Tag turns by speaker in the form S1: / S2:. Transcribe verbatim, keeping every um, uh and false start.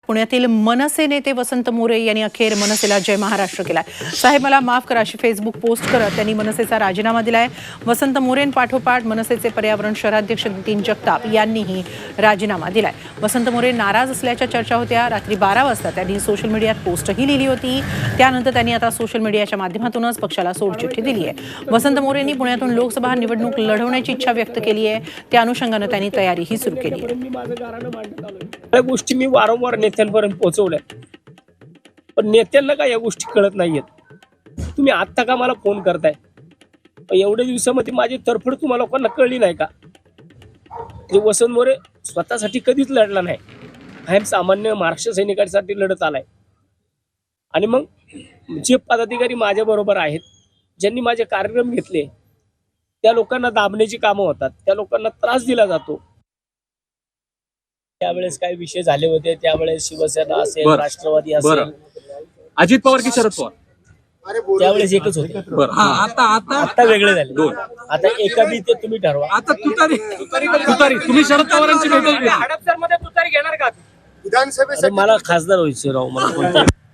S1: पुण्यातील मनसे नेते वसंत मोरे यांनी अखेर मनसेला जय महाराष्ट्र केलाय. साहेब मला माफ करा अशी फेसबुक पोस्ट करत त्यांनी मनसेचा राजीनामा दिलाय. वसंत मोरेंपाठोपाठ मनसेचे पर्यावरण शहराध्यक्ष नितीन जगताप यांनीही राजीनामा दिलाय. वसंत मोरे नाराज असल्याच्या चर्चा होत्या. रात्री बारा वाजता त्यांनी सोशल मीडियात पोस्टही लिहिली होती. त्यानंतर त्यांनी आता सोशल मीडियाच्या माध्यमातूनच पक्षाला सोडचिठ्ठी दिली आहे. वसंत मोरेंनी पुण्यातून लोकसभा निवडणूक लढवण्याची इच्छा व्यक्त केली आहे. त्या अनुषंगाने त्यांनी तयारीही सुरू केली आहे.
S2: या गोष्टी मी वारंवार नेत्यांपर्यंत पोहोचवल्या, पण नेत्यांना काय या गोष्टी कळत नाहीयेत. तुम्ही आत्ता का मला फोन करताय? एवढ्या दिवसामध्ये माझी तरफड तुम्हाला लोकांना कळली नाही का? वसंत मोरे स्वतःसाठी कधीच लढला नाही. कायम सामान्य महाराष्ट्र सैनिकांसाठी लढत आलाय. आणि मग जे पदाधिकारी माझ्या बरोबर आहेत, ज्यांनी माझे कार्यक्रम घेतले, त्या लोकांना दाबण्याची कामं होतात, त्या लोकांना त्रास दिला जातो. त्यावेळेस काय विषय झाले होते, त्यावेळेस शिवसेना असेल, राष्ट्रवादी असेल,
S3: अजित पवार की शरद पवार
S2: त्यावेळेस एकच होते.
S3: आता आता
S2: आता वेगळे झाले दोन. आता एका बी ते तुम्ही ठरवा.
S3: आता तुतारी तुतारी तुम्ही शरद पवारांची भेट
S2: हडपसरमध्ये तुतारी घेणार का? विधानसभेसाठी मला खासदार व्हायचे राव. मला